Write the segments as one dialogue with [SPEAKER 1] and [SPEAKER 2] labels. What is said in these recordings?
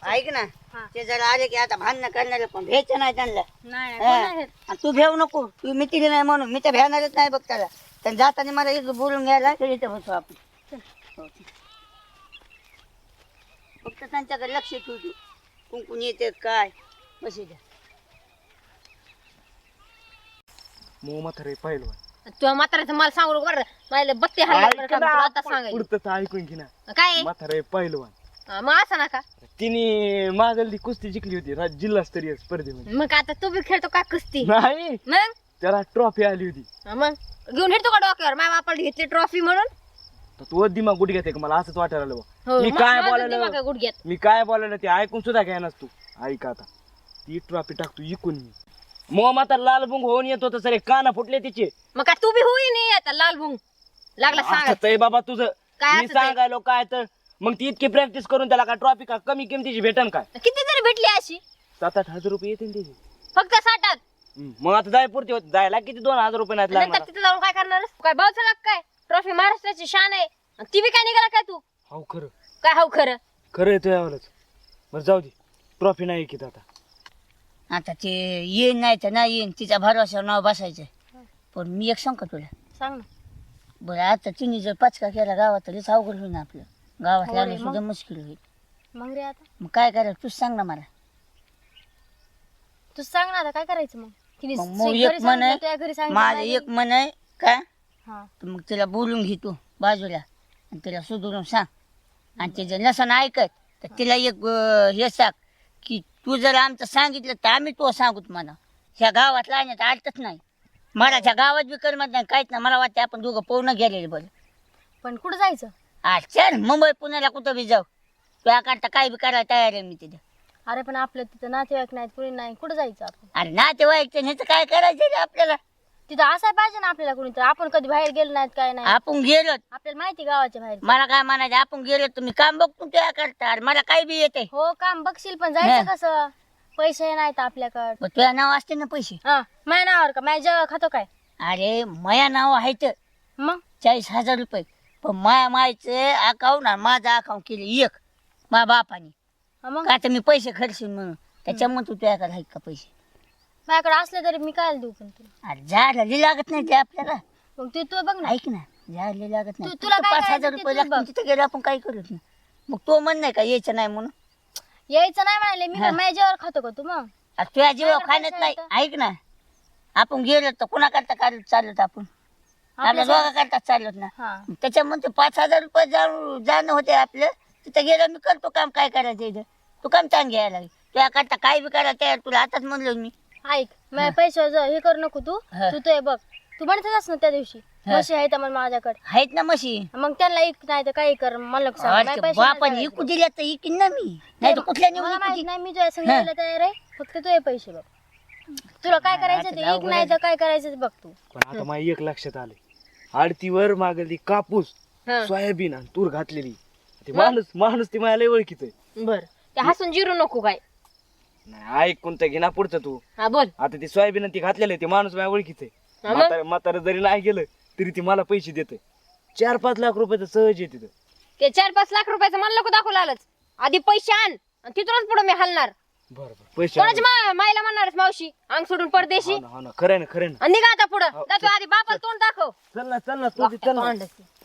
[SPEAKER 1] ऐक ना
[SPEAKER 2] हा.
[SPEAKER 1] ते जरा आले की आता भांडणं करणार पण भ्यायचं नाही त्यांना
[SPEAKER 2] नाही
[SPEAKER 1] हा.
[SPEAKER 2] कोण नाही घेत.
[SPEAKER 1] आणि तू भेऊ नको तू मितीली नाही म्हणून मी तर भ्याणारच नाही बघ त्याला तर जाताना मला इथं बोलून घ्यायला तर इथं बसू आपण हो. फक्त त्यांच्याकडे लक्ष ठेवू तू कुंकून येते काय बशी द्या
[SPEAKER 3] मग म्हातारे पाहिलं
[SPEAKER 2] तुझ्या म्हाताऱ्याचं मला सांगू नको बरं मला बत्ती हल्ला तुला आता सांगायचं
[SPEAKER 3] पुढचं ऐकून घे ना
[SPEAKER 2] काय
[SPEAKER 3] म्हातारे पहिलवान
[SPEAKER 2] मग असं नका
[SPEAKER 3] तिने मागल कुस्ती जिंकली होती जिल्हास्तरीय स्पर्धेमध्ये
[SPEAKER 2] मग आता तू बी खेळतो का कुस्ती
[SPEAKER 3] नाही
[SPEAKER 2] मग
[SPEAKER 3] त्याला ट्रॉफी आली होती
[SPEAKER 2] मग घेऊन येतो का डोक्यावर माझ्या बापाला घेतली ट्रॉफी म्हणून
[SPEAKER 3] तर तू दिमाग गुट घेते का मला असंच वाटायला लागलं
[SPEAKER 2] हो,
[SPEAKER 3] मी काय
[SPEAKER 2] माझं दिमाग आहे
[SPEAKER 3] बोलायला
[SPEAKER 2] गुडघ्यात
[SPEAKER 3] मी काय बोलायला ते ऐकून सुद्धा घ्या तू ऐक आता ती ट्रॉफी टाकतो इकून मी मग माता लाल बुंग होऊन येत होतं सरे काना फुटले तिचे
[SPEAKER 2] मग काय तू बी होई नाही आता लाल भुंग लागला सांगा
[SPEAKER 3] असंच आहे बाबा तुझं
[SPEAKER 2] काय
[SPEAKER 3] मी
[SPEAKER 2] असंच आहे?
[SPEAKER 3] सांगायलो काय तर मग ती इतकी प्रॅक्टिस करून त्याला काय ट्रॉफी का कमी किमतीची भेटन काय
[SPEAKER 2] किती तरी भेटली अशी
[SPEAKER 3] 7-8 हजार रुपये येतील त्याचे
[SPEAKER 2] फक्त 60
[SPEAKER 3] मग आता जाय पुरती होत जायला किती 2,000 रुपये नाहीत लागणार
[SPEAKER 2] नंतर तिथे जाऊन काय करणार काय भाऊचा काय ट्रॉफी महाराष्ट्राची शान आहे आणि ती बी काय निघाला काय तू
[SPEAKER 3] हो खरं
[SPEAKER 2] काय हाव खरं
[SPEAKER 3] खरं येतो यावलंच बरं जाऊ दे ट्रॉफी नाही की आता
[SPEAKER 1] आता ते येईन नाही तर नाही येईन तिच्या भरोश्यावर नाव बसायचं पण मी एक सांग का तुला
[SPEAKER 2] सांग ना
[SPEAKER 1] बरं आता तिने जर पचका केला गावात तर लयच अवघड होईल ना आपलं गावात
[SPEAKER 2] हो रे,
[SPEAKER 1] लागलं
[SPEAKER 2] मग?
[SPEAKER 1] सुद्धा मुश्किल होईल
[SPEAKER 2] मग रे आता
[SPEAKER 1] मग काय करायचं तूच सांग ना मला
[SPEAKER 2] तू सांग ना आता काय करायचं मग तिने
[SPEAKER 1] मग
[SPEAKER 2] घरी
[SPEAKER 1] एक मन
[SPEAKER 2] सांगितलं, तुझ्या घरी सांगितलं
[SPEAKER 1] माझं
[SPEAKER 2] नाही
[SPEAKER 1] एक मन आहे काय
[SPEAKER 2] हा.
[SPEAKER 1] तर मग तिला बोलून घे तू बाजूला आणि तिला सुधरून सांग आणि ते जर नसन ऐकत तर तिला एक हे सांग की तू जर आमचं सांगितलं तर आम्ही तो सांगूत म्हणा ह्या गावात लावण्यात आलतच नाही मला त्या गावात बी करमत नाही काहीच नाही मला वाटतं आपण दोघं पोहणं गेलेले बरं
[SPEAKER 2] पण कुठं जायचं
[SPEAKER 1] चल मुंबई पुण्याला कुठं बी जाऊ तुझ्या करता काय बी करायला तयार आहे मी तिथे
[SPEAKER 2] अरे पण आपलं तिथं नातेवाईक नाहीत कुणी नाही कुठं जायचं आपण
[SPEAKER 1] अरे नातेवाईक ह्याचं काय करायचं रे आपल्याला
[SPEAKER 2] तिथं असायला पाहिजे ना आपल्याला कुणी तर आपण कधी बाहेर गेलो नाहीत काय नाही
[SPEAKER 1] आपण गेलो
[SPEAKER 2] आपल्याला माहिती गावाच्या बाहेर
[SPEAKER 1] मला काय म्हणायचं आपण गेलो तुम्ही काम बघतो तुझ्या करता अरे मला काय बी येते
[SPEAKER 2] हो काम बघशील पण जायचं कसं पैसे नाहीत आपल्याकडे
[SPEAKER 1] तुझ्या नाव असते ना पैसे
[SPEAKER 2] हा माझ्या नावावर का माझ्या जेव्हा खातो काय
[SPEAKER 1] अरे माया नाव आहे तर
[SPEAKER 2] मग
[SPEAKER 1] 40,000 रुपये पण माया मायचं अकाउंट आणि माझं अकाउंट केले एक माझ्या बापाने
[SPEAKER 2] हा मग
[SPEAKER 1] का तर मी पैसे खर्चून म्हणून त्याच्यामुळे तू तुझ्याकडे आहे का पैसे
[SPEAKER 2] माझ्याकडे असले तरी मी काय देऊ पण तुला
[SPEAKER 1] अरे झालं लागत नाही ते आपल्याला
[SPEAKER 2] मग तू बघ ना
[SPEAKER 1] ऐक ना झाले लागत नाही
[SPEAKER 2] तुला
[SPEAKER 1] फक्त
[SPEAKER 2] काय
[SPEAKER 1] 5,000
[SPEAKER 2] करायचं ते
[SPEAKER 1] रुपये
[SPEAKER 2] तू
[SPEAKER 1] लागतील
[SPEAKER 2] बघ.
[SPEAKER 1] तिथे गेलो आपण काय करूच ना मग तो म्हण नाही का यायचं नाही म्हणून
[SPEAKER 2] यायचं नाही म्हणाले मी
[SPEAKER 1] हा.
[SPEAKER 2] माझ्या जेव्हा खातो का तू मग
[SPEAKER 1] अरे तुझ्या जीवा
[SPEAKER 2] काय
[SPEAKER 1] खाण्यात
[SPEAKER 2] पैसे
[SPEAKER 1] नाही
[SPEAKER 2] येतं?
[SPEAKER 1] ऐक ना आपण गेलो तर कुणा करता चालत आपण आपल्या दोघा करता चालत ना
[SPEAKER 2] हा
[SPEAKER 1] त्याच्यामध्ये 5,000 रुपये जाणं होते आपलं तिथं गेलं मी करतो काम काय करायचं इथं तू काम चांग घ्यायला लागेल तुझ्या करता काय बी करायला तयार तुला आताच म्हणलो मी
[SPEAKER 2] ऐक माझ्या पैसे हे करू नको तू
[SPEAKER 1] हा.
[SPEAKER 2] तू ते बघ तू म्हणतच ना त्या दिवशी
[SPEAKER 1] हा.
[SPEAKER 2] म्हशी आहेत मग माझ्याकडे
[SPEAKER 1] आहेत ना म्हशी
[SPEAKER 2] मग त्यांना ऐक नाही तर काही कर मला नको सांगू. माझे पैसे
[SPEAKER 1] बापाने
[SPEAKER 2] नाही
[SPEAKER 1] इकू दिल्या तर इकीन ना मी नाही तर कुठल्या
[SPEAKER 2] मला
[SPEAKER 1] नेऊन
[SPEAKER 2] माहित
[SPEAKER 1] इकू
[SPEAKER 2] नाही मी तुझ्या संग यायला तयार आहे फक्त तू हे पैसे बघ तुला काय करायचं ते
[SPEAKER 1] आता
[SPEAKER 2] ऐक नाही तर काय करायचं ते बघ तू
[SPEAKER 3] पण आता माझ्या एक लक्षात आले आडतीवर मागली कापूस
[SPEAKER 2] हा.
[SPEAKER 3] सोयाबीन आणि तूर घातलेली ते माणूस ती माझ्या लय ओळखीच आहे
[SPEAKER 2] बर ते हसून जिरू नको काय
[SPEAKER 3] नाही ऐक कोणतं घे ना पुढचं तू
[SPEAKER 2] हा बोल
[SPEAKER 3] आता ती सोयाबीन ती घातलेलं आहे ते माणूस माझ्या ओळखीच
[SPEAKER 2] हा
[SPEAKER 3] आहे
[SPEAKER 2] मग?
[SPEAKER 3] म्हातारा जरी नाही गेलं तरी ती मला पैसे देते 4-5 लाख रुपये तर सहज येते तिथं.
[SPEAKER 2] ते 4-5 लाख रुपयाचं मला नको दाखवलं आलंच आधी पैसे आण आणि तिथूनच पुढे मी हलणार
[SPEAKER 3] बरं पैसे
[SPEAKER 2] कोणाची मायला म्हणणारच मावशी अंग सोडून परदेशी
[SPEAKER 3] हो ना खरं ना
[SPEAKER 2] आणि निघा आता पुढं
[SPEAKER 3] हो,
[SPEAKER 2] जातो आधी बापाला तोंड दाखव
[SPEAKER 3] चल ना तू बी चल ना.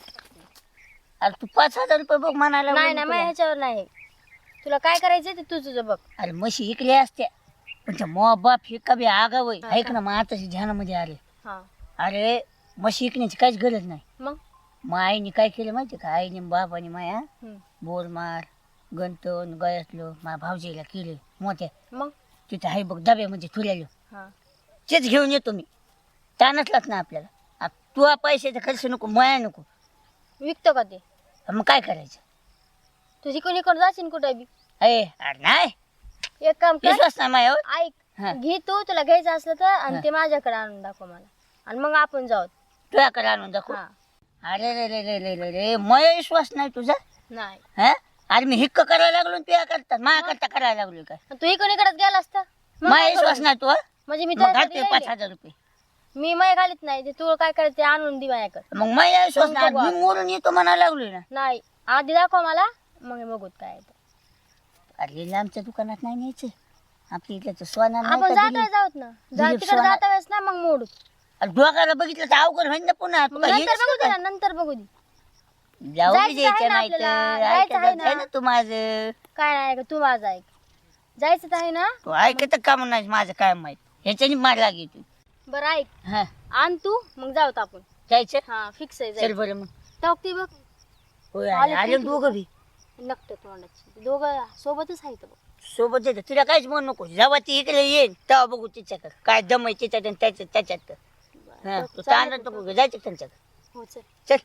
[SPEAKER 1] अरे तू 5,000 रुपये बघ म्हणायला
[SPEAKER 2] नाही
[SPEAKER 1] लागलो
[SPEAKER 2] नाही
[SPEAKER 1] मी
[SPEAKER 2] माझ्या ह्याच्यावर नाही तुला काय करायचं ते तू तुझं बघ
[SPEAKER 1] तुला. अरे म्हशी इकल्या असत्या पण त्या मो बाप हे कभी आगाव आहे ऐक ना मग आताशी ध्यानामध्ये आले
[SPEAKER 2] हा
[SPEAKER 1] अरे म्हशी इकण्याची काहीच गरज नाही
[SPEAKER 2] मग
[SPEAKER 1] मग आईने काय केलं माहिती का आईने बापाने माया
[SPEAKER 2] हम्म.
[SPEAKER 1] बोरमार गंतन गयातलो माझ्या भाऊजीला केले मोठ्या
[SPEAKER 2] मग
[SPEAKER 1] तिथे आहे बघ डब्यामध्ये ठुल्यालो
[SPEAKER 2] हा
[SPEAKER 1] तेच घेऊन येतो मी तानचलाच ना आपल्याला तू पैशाचा खर्च नको माया नको
[SPEAKER 2] विकतो का ते
[SPEAKER 1] मग काय करायचं
[SPEAKER 2] तू शिकून जाशील कुठे बी
[SPEAKER 1] अरे नाही
[SPEAKER 2] एक काम कर
[SPEAKER 1] विश्वास नाही मायावर हा.
[SPEAKER 2] ऐक घे तू तुला घ्यायचं असलं तर आणि ते माझ्याकडे आणून दाखव मला आणि मग आपण जाऊ
[SPEAKER 1] तुझ्याकडे आणून दाखव
[SPEAKER 2] हा
[SPEAKER 1] अरे रे रे रे रे रे रे मया विश्वास नाही तुझा
[SPEAKER 2] नाही
[SPEAKER 1] हा अरे मी हिक्क करायला लागलो आणि तुझ्या करता माझ्या करता करायला लागलो काय
[SPEAKER 2] तू इकडे गेला असता मग
[SPEAKER 1] माझा
[SPEAKER 2] काय
[SPEAKER 1] विश्वास
[SPEAKER 2] करू?
[SPEAKER 1] नाही तू हा?
[SPEAKER 2] म्हणजे मी
[SPEAKER 1] मग
[SPEAKER 2] त्यासाठी
[SPEAKER 1] घालते
[SPEAKER 2] राहिले.
[SPEAKER 1] 5,000 रुपये
[SPEAKER 2] मी मय घालीत नाही ते तू काय करायचं ते आणून दे माझ्याकडे
[SPEAKER 1] मग माझा विश्वास
[SPEAKER 2] मग
[SPEAKER 1] नाही
[SPEAKER 2] बघू
[SPEAKER 1] मी मोरून येतो म्हणायला लागलोय ना
[SPEAKER 2] नाही आधी दाखव मला मग बघूत काय आहे ते.
[SPEAKER 1] अरे आमच्या दुकानात नाही न्यायचं. आपल्या इथलं सोना नाही
[SPEAKER 2] आपण
[SPEAKER 1] का
[SPEAKER 2] जाता
[SPEAKER 1] दिली?
[SPEAKER 2] जाऊत ना
[SPEAKER 1] दिलीप
[SPEAKER 2] तिकडे
[SPEAKER 1] सोना-
[SPEAKER 2] जाता वेळेस ना मग मोडू
[SPEAKER 1] अरे डोक्याला बघितलं तर अवघड होईल ना पुन्हा. तुला
[SPEAKER 2] नंतर
[SPEAKER 1] हेच
[SPEAKER 2] बघू दे
[SPEAKER 1] का?
[SPEAKER 2] ना नंतर बघू दे
[SPEAKER 1] जाऊ
[SPEAKER 2] जायचं
[SPEAKER 1] दे द्यायचं
[SPEAKER 2] आहे ना
[SPEAKER 1] नाही तर
[SPEAKER 2] आपल्याला, जायचं आहे
[SPEAKER 1] ऐकायचं आहे
[SPEAKER 2] ना.
[SPEAKER 1] ना तू माझं.
[SPEAKER 2] काय नाही का तू माझा ऐक जायचं तर आहे ना
[SPEAKER 1] तू ऐकत का म्हणून माझं काय माहित. ह्याच्यानी मार लागे तू.
[SPEAKER 2] बरं ऐक
[SPEAKER 1] हा
[SPEAKER 2] आण तू मग जाऊत आपण
[SPEAKER 1] जायचं.
[SPEAKER 2] हा फिक्स आहे
[SPEAKER 1] चल
[SPEAKER 2] जायचं.
[SPEAKER 1] बरं मग.
[SPEAKER 2] टाकते बघ
[SPEAKER 1] होय
[SPEAKER 2] आले
[SPEAKER 1] आले
[SPEAKER 2] की
[SPEAKER 1] दोघं बी
[SPEAKER 2] नकट तोंडाची दोघं सोबतच आहेत बघ
[SPEAKER 1] सोबत येतं. तुला काहीच म्हणू नको. जेव्हा ती इकडे येईल तेव्हा बघू तिच्याकडे काय दम आहे तिच्यात आणि त्याच्यात. हा तू
[SPEAKER 2] चालेल
[SPEAKER 1] तांदळ नको जायचं त्यांच्याकडे.
[SPEAKER 2] हो चल
[SPEAKER 1] चल.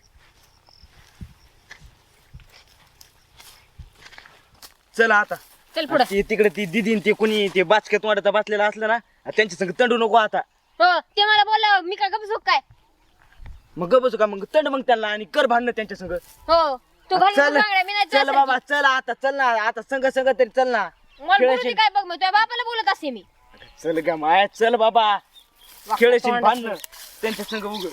[SPEAKER 3] चला आता
[SPEAKER 2] चल पुढं
[SPEAKER 3] ते तिकडे ती दिदी ते कुणी ते बाचक्यात वाढता बसलेला असलं ना त्यांच्या संग तंडू नको आता.
[SPEAKER 2] हो ते मला बोललं मी काय गप काय
[SPEAKER 3] मग ग बसू का मग तंड मग त्यांना आणि कर भांडणं त्यांच्या संग.
[SPEAKER 2] हो तू घालून
[SPEAKER 3] चल
[SPEAKER 2] सांगणार, मी नाही
[SPEAKER 3] चल
[SPEAKER 2] तुझ्यासारखी.
[SPEAKER 3] बाबा चल आता चल ना आता संग संग तरी चल ना.
[SPEAKER 2] मला बोलू दे
[SPEAKER 3] खेळशील.
[SPEAKER 2] काय बघ मी तुझ्या बापाला बोलत असे मी
[SPEAKER 3] चल ग माया चल बाबा खेळशील
[SPEAKER 2] तोंडाची.
[SPEAKER 3] भांडणं त्यांच्या संग उग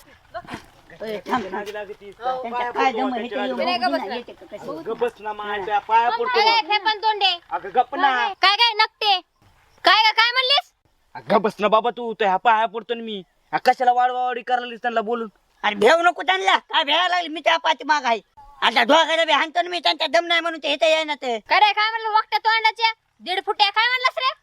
[SPEAKER 1] होय, थांब. त्यांच्या काय दम आहे ते येऊन
[SPEAKER 2] नाही का
[SPEAKER 1] बघू ना,
[SPEAKER 2] बसला?
[SPEAKER 1] येते का कसं.
[SPEAKER 3] गप बस ना माया पाया पडतो.
[SPEAKER 2] काय काय फेपन तोंडे
[SPEAKER 3] अगं गप ना.
[SPEAKER 2] काय काय नकटे काय काय काय म्हणलीस
[SPEAKER 3] अगं बस ना बाबा तू त्या पाया पडतो ना मी. कशाला वाढवावाडी करायला त्यांना बोलून.
[SPEAKER 1] अरे भेव नको त्यांना. काय भेळा लागली मी त्या पाठी माग आहे. आता ढोकायला बी हाणतो ना मी. त्यांच्या दम नाही म्हणून ते येता येईना ते.
[SPEAKER 2] काय रे काय म्हणलं वाकट्या तोंडाच्या 1.5 फुट्या काय म्हणलास रे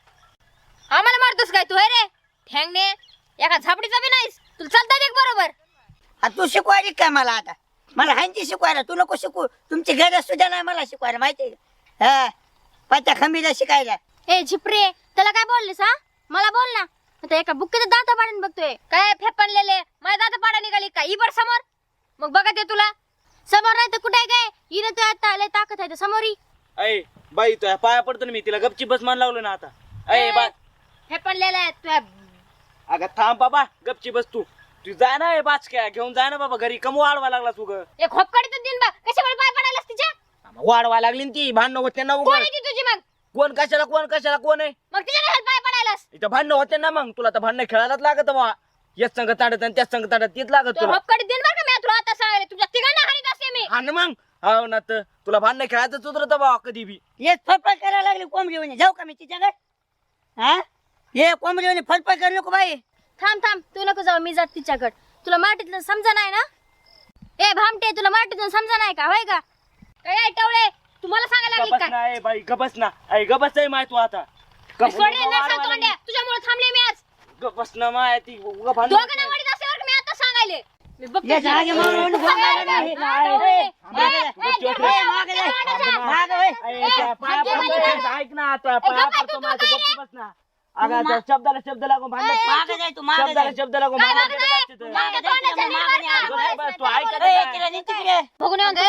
[SPEAKER 2] आम्हाला मारतोस काय तू हे रे ठेंगणे एका झापडीचा बी नाहीस तुला चालता देख बरोबर
[SPEAKER 1] आता तू शिकवायली काय मला आता. मला हांची शिकवायला तू नको शिकू. तुमची गरज सुद्धा नाही मला शिकवायला माहितीये का. हा पाच्या खंबीला शिकायला.
[SPEAKER 2] ए झिपरे त्याला काय बोललीस हा मला बोल ना आता एका बुक्कीचं दाता पाडून बघतोय काय फेपणलेले माझ्या दाता पाडा निघाली का इबर समोर मग बघा ते तुला समोर नाही तर कुठे काय हिने तू आता लय ताकद आहे समोरी
[SPEAKER 3] अय बाई तुझ्या पाया पडतो ना मी तिला गपची बस मान लावलं ना आता. अय बा
[SPEAKER 2] फेपणलेला आहे तुझ्या
[SPEAKER 3] अगं थांब बाबा गपची बस तू तू जाय ना बाचक्या घेऊन जाय ना बाबा घरी कमू वाढवा लागला तू ग.
[SPEAKER 2] एक खोपकडे तर दिन बा कशामुळे पाय पडायलास तिच्या
[SPEAKER 3] वाढवा लागली ना ती भांडणं होते ना
[SPEAKER 2] कोण
[SPEAKER 3] उघड.
[SPEAKER 2] आहे ती तुझी मग
[SPEAKER 3] कोण कशाला कोण आहे
[SPEAKER 2] मग तिच्या नाही पाय पडायलास
[SPEAKER 3] इथं भांडणं होते ना मग तुला तर भांडणं खेळायलाच लागत बा. याच संघ ताडत आणि त्याच संघ ताडत तीच लागत
[SPEAKER 2] तो
[SPEAKER 3] तुला.
[SPEAKER 2] खोपकडे दिन बा का मी तुला आता सांगायला तुझ्या तिघांना हाणीत असते मी
[SPEAKER 3] आणि मग हो ना तर तुला भांडणं खेळायचं उतरत बा कधी बी.
[SPEAKER 1] येत फडफड करायला लागली कोंबडी म्हणे. जाऊ का मी तिच्याकडे. हा ये कोंबडी म्हणे फडफड करू नको बाई.
[SPEAKER 2] थांब तू नको जाऊ मी जात तिच्याकडे तुला माटीतलं समजा नाही ना ए भामटे तुला माटीतून समजा नाही का होय का काय टवळे तुम्हाला सांगायला लागली
[SPEAKER 3] गबस
[SPEAKER 2] काय
[SPEAKER 3] ना ए बाई गबस ना ऐ गबस आहे माय तू आता.
[SPEAKER 2] सोडले ना सांगतो अंड्या तुझ्यामुळे थांबले मी आज
[SPEAKER 3] गबस ना माय ती उगा भांडणं
[SPEAKER 2] दोघांना वडीत असल्यावर मी आता सांगायले मी बघते
[SPEAKER 1] ये जागे मारून गोंगाला नाही. ए, मागे जा. ए, मागे जा. मागे वळ.
[SPEAKER 3] ऐ, त्या पाया पडतो ऐक ना आता पाया पडतो माझं गपची बस ना. अगं त्या शब्दाला शब्द लागून भांडण
[SPEAKER 1] मागे जाय तू मागे
[SPEAKER 3] शब्दाला
[SPEAKER 1] जाय.
[SPEAKER 3] शब्द लागून भांडण केलं जातं तिथं.
[SPEAKER 1] मागे जाय तिच्या मागे नाही.
[SPEAKER 3] गप बस, तू ऐकत
[SPEAKER 1] ए,
[SPEAKER 3] नाही.
[SPEAKER 1] तिला नी तिकडे.
[SPEAKER 2] बघून येऊन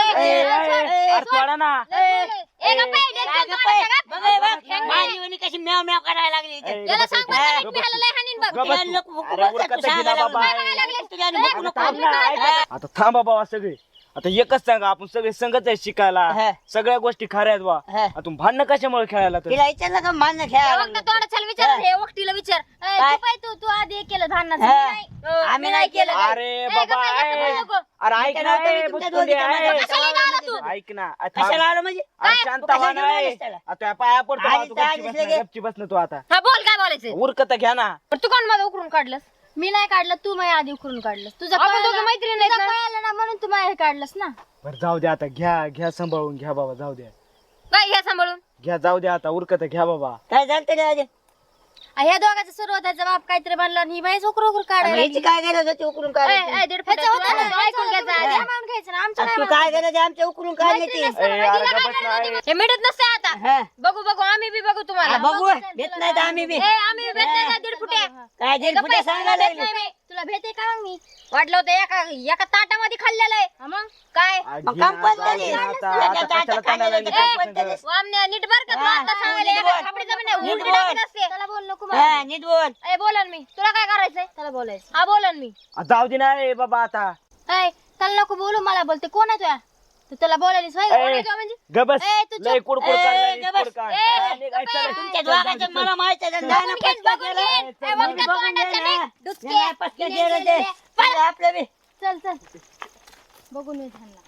[SPEAKER 3] अरे सोडा ना.
[SPEAKER 2] ए गप्पा
[SPEAKER 1] काय गप्प आहे? बघ हे बघ. माझी वहिनी कशी म्याव म्याव करायला लागली इथे.
[SPEAKER 3] ए,
[SPEAKER 2] याला
[SPEAKER 3] गबस
[SPEAKER 2] सांग
[SPEAKER 3] आहे,
[SPEAKER 2] बरं,
[SPEAKER 3] गबस
[SPEAKER 2] मी ह्याला लय हाणीन बघ.
[SPEAKER 3] गबस
[SPEAKER 1] तिला
[SPEAKER 3] तू.
[SPEAKER 1] नको बघू
[SPEAKER 3] अरे
[SPEAKER 1] बघ,
[SPEAKER 3] उरकत
[SPEAKER 1] तू
[SPEAKER 3] गेला
[SPEAKER 1] सांगायला
[SPEAKER 3] बाबा.
[SPEAKER 1] लागली. तुला आणि बघू नको.
[SPEAKER 3] थांब ना, ऐक ना. आता थांबा बाबा सगळे आता एकच सांगा आपण सगळे संगत आहे शिकायला
[SPEAKER 1] हा.
[SPEAKER 3] सगळ्या गोष्टी खऱ्या आहेत बा.
[SPEAKER 1] हा.
[SPEAKER 3] आता तुम्ही भांडणं कशामुळे खेळायला तर
[SPEAKER 1] तिला विचारलं का मान्य खेळायला
[SPEAKER 2] वक्ता तोंडात चल विचार हे वक्तीला विचार ए,
[SPEAKER 1] काय?
[SPEAKER 2] तू पाय तू आधी हे केलं धान्नाचं
[SPEAKER 1] हा.
[SPEAKER 2] मी नाही.
[SPEAKER 1] आम्ही नाही केलं.
[SPEAKER 3] अरे
[SPEAKER 2] ए,
[SPEAKER 3] बाबा
[SPEAKER 2] गप्पा, गप्पा,
[SPEAKER 3] ए.
[SPEAKER 2] गप्पा, गप्पा.
[SPEAKER 3] अरे ऐक
[SPEAKER 1] मी
[SPEAKER 3] ना
[SPEAKER 1] काय
[SPEAKER 3] ए,
[SPEAKER 1] नव्हतं, तुमच्या
[SPEAKER 3] बुचकुंडी,
[SPEAKER 1] दोघीच्या
[SPEAKER 3] ए.
[SPEAKER 1] मध्ये.
[SPEAKER 2] कशाला लावला तू?
[SPEAKER 3] ऐक ना
[SPEAKER 1] कशाला आलं म्हणजे
[SPEAKER 3] अरे
[SPEAKER 1] तू
[SPEAKER 3] शांत
[SPEAKER 1] कशाला
[SPEAKER 3] व्हा ना
[SPEAKER 1] घेऊन
[SPEAKER 3] ए.
[SPEAKER 1] आलीस त्याला?
[SPEAKER 3] आता पाया पडतो
[SPEAKER 1] आलीस
[SPEAKER 3] तू
[SPEAKER 1] तर आलीस लगे.
[SPEAKER 3] गपची बस ना तू आता
[SPEAKER 2] हा बोल काय बोलायचं
[SPEAKER 3] उरकत घ्या ना.
[SPEAKER 2] पण तू कोण माझं उकरून काढलंस मी नाही काढलं तू माझ्या आधी उकरून काढलंस तुझं
[SPEAKER 4] आपण दोघं मैत्रीण आहेत ना?
[SPEAKER 2] आलं ना म्हणून तू माझ्या हे काढलंस ना
[SPEAKER 3] बरं जाऊ द्या आता घ्या सांभाळून घ्या बाबा जाऊ द्या
[SPEAKER 2] काय घ्या सांभाळून
[SPEAKER 3] घ्या जाऊ द्या आता उरकत घ्या बाबा.
[SPEAKER 1] काय झालं तरी आधी
[SPEAKER 2] ह्या दोघांचा सुरुवाताचा बाप काहीतरी बनला आणि ही बाई उकर उकर काढायला
[SPEAKER 1] ह्याची काय गरज होती उकरून काढायची?
[SPEAKER 2] ह्याचं होतं ना, ऐकून घ्यायचं आधी. आम्हाला घ्यायचं ना, आमचं
[SPEAKER 1] तू
[SPEAKER 2] नाही
[SPEAKER 1] काय गरज आहे आमच्या उकरून काढण्याची?
[SPEAKER 2] मैत्रीण
[SPEAKER 3] ए, अरे गप्प ना, ए.
[SPEAKER 2] हे मिळत नसते आता
[SPEAKER 1] हा.
[SPEAKER 2] बघू बघू आम्ही बी बघू तुम्हाला
[SPEAKER 1] हा, बघू भेट नाही तर आम्ही बी
[SPEAKER 2] ए, आम्ही बी भेट नाही का 1.5 फुटे
[SPEAKER 1] काय दीड फुटे सांगायला
[SPEAKER 2] भेट
[SPEAKER 1] लागली.
[SPEAKER 2] नाही मी. तुला भेटे का मग मी वाटलं होतं एका ताटामध्ये खाल्लेलं आहे हा मग काय
[SPEAKER 3] आ,
[SPEAKER 1] मग
[SPEAKER 3] घे ना,
[SPEAKER 1] कंपनी
[SPEAKER 3] जाऊ द्या आता आता कशाला ताणायला लागली
[SPEAKER 1] कंपनी
[SPEAKER 3] तुमच्या संग?
[SPEAKER 2] वामण्या नीट बर का तू
[SPEAKER 1] हा,
[SPEAKER 2] आता सांगायला
[SPEAKER 1] नीट
[SPEAKER 2] एका
[SPEAKER 1] बोल.
[SPEAKER 2] खापडीचं पण नाही,
[SPEAKER 1] नीट
[SPEAKER 2] उलटी
[SPEAKER 1] बोल.
[SPEAKER 2] टाकत असते. त्याला बोल नको
[SPEAKER 1] हा, नीट बोल.
[SPEAKER 2] ए बोलन मी तुला काय करायचंय त्याला बोलायचं हा बोलन मी
[SPEAKER 3] आ, जाऊ दे ना ए बाबा आता
[SPEAKER 2] ए त्याला नको बोलू मला बोलते कोण आहे तुया तू त्याला बोलायलीस होय? कोण आहे तुया म्हणजे
[SPEAKER 3] गबस
[SPEAKER 2] ए, तू
[SPEAKER 3] लय
[SPEAKER 2] चुप.
[SPEAKER 3] कुडकुड
[SPEAKER 1] ए,
[SPEAKER 3] काढलाय,
[SPEAKER 1] गबस.
[SPEAKER 3] कुडकुड काढ.
[SPEAKER 2] ए,
[SPEAKER 3] हा, निघ,
[SPEAKER 2] गप्प
[SPEAKER 3] चल,
[SPEAKER 2] आहे.
[SPEAKER 1] तुमच्या
[SPEAKER 3] चल, चल,
[SPEAKER 1] दोघांचं
[SPEAKER 3] चल.
[SPEAKER 1] मला माहित आहे.
[SPEAKER 2] बघून
[SPEAKER 1] जाणं
[SPEAKER 2] घेईन,
[SPEAKER 1] पटकन
[SPEAKER 2] बघून
[SPEAKER 1] गेलं.
[SPEAKER 2] घेईन. ए, वक्ता
[SPEAKER 1] बघून
[SPEAKER 2] तोंडाचं
[SPEAKER 1] घे
[SPEAKER 2] नाही,
[SPEAKER 1] ना.
[SPEAKER 2] डुचके.
[SPEAKER 1] नाही, पटकन गेलं ते.
[SPEAKER 2] पळ.
[SPEAKER 1] आपलं बी
[SPEAKER 2] चल चल बघून ये त्यांना